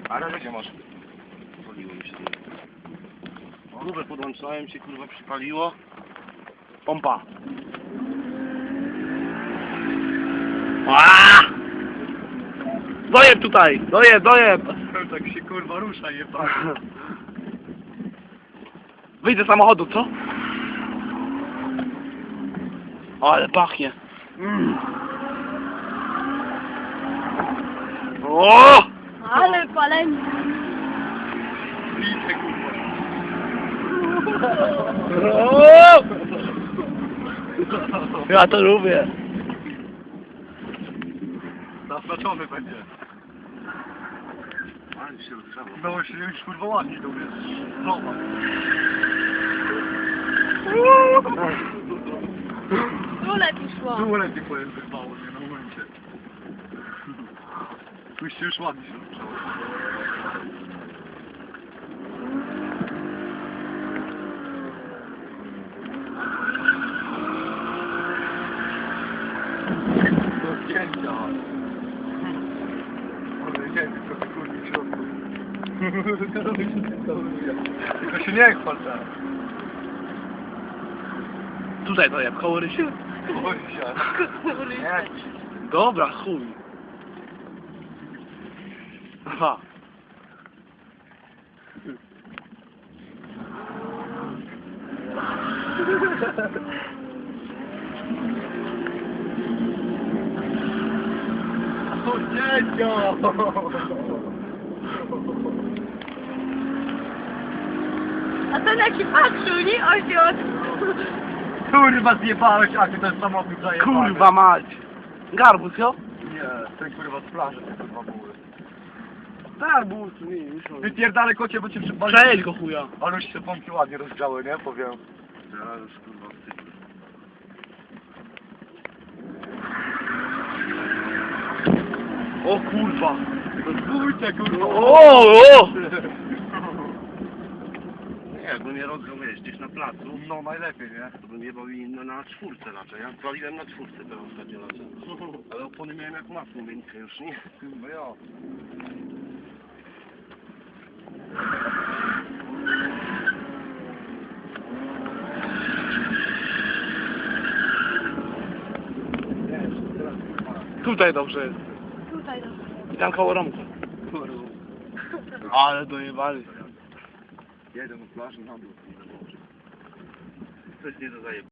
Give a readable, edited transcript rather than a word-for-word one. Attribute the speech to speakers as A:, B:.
A: Ale gdzie masz? Poliło mi się. Kurwa, podłączałem się, kurwa, przypaliło. Pompa. Aaaa! Dojeb tutaj! Dojeb!
B: Tak się kurwa rusza, jeba.
A: Wyjdę z samochodu, co? O, ale pachnie. O!
C: Ale palenie.
B: Liczę kurwa.
A: O! Ja to lubię.
B: Zaznaczony będzie.
A: Ale się rozgrzało.
B: No się już kurwa ładnie to jest. Zobacz.
C: Tu lepiej szło.
B: Tu lepiej powiem wyrwało mnie na momencie. Tu się już ładnie się rozgrzało. Do zdjęcia. Ale nie wiem, trochę kurwa w środku. Tylko się nie chwal teraz.
A: Tutaj dojeb, koło rysie.
B: Boi się. Nie.
A: Dobra, chuj. Aha.
B: To dziedzio!
C: A ten jaki patrzył, nie? Ojciec.
B: Kurwa zjebałeś, a ty ten samochód zajebałeś.
A: Kurwa mać. Garbus, jo?
B: Nie, ten kurwa z plaży te kurwa były.
A: Garbus, nie, już.
B: Wypierdalaj kocie, bo cię przypali.
A: Przejedź go chuja.
B: Ale już się pompki ładnie rozgrzały, nie? Powiem.
A: Ja już kurwa wstyd. O kurwa.
B: Bójcie kurwa.
A: O! Nie, jakbym nie rozgrał, wiesz, gdzieś na placu,
B: No najlepiej, nie?
A: to bym jebał i na czwórce raczej. Ja paliłem na czwórce teraz ostatnio raczej. Ale opony miałem jak masło miękkie już, nie?
B: No ja.
A: Tutaj dobrze jest.
C: Tutaj no.
A: I tam koło Romka. Ale dojebali.
B: Jeden na plaży na dół.
A: Coś nie do zajebania.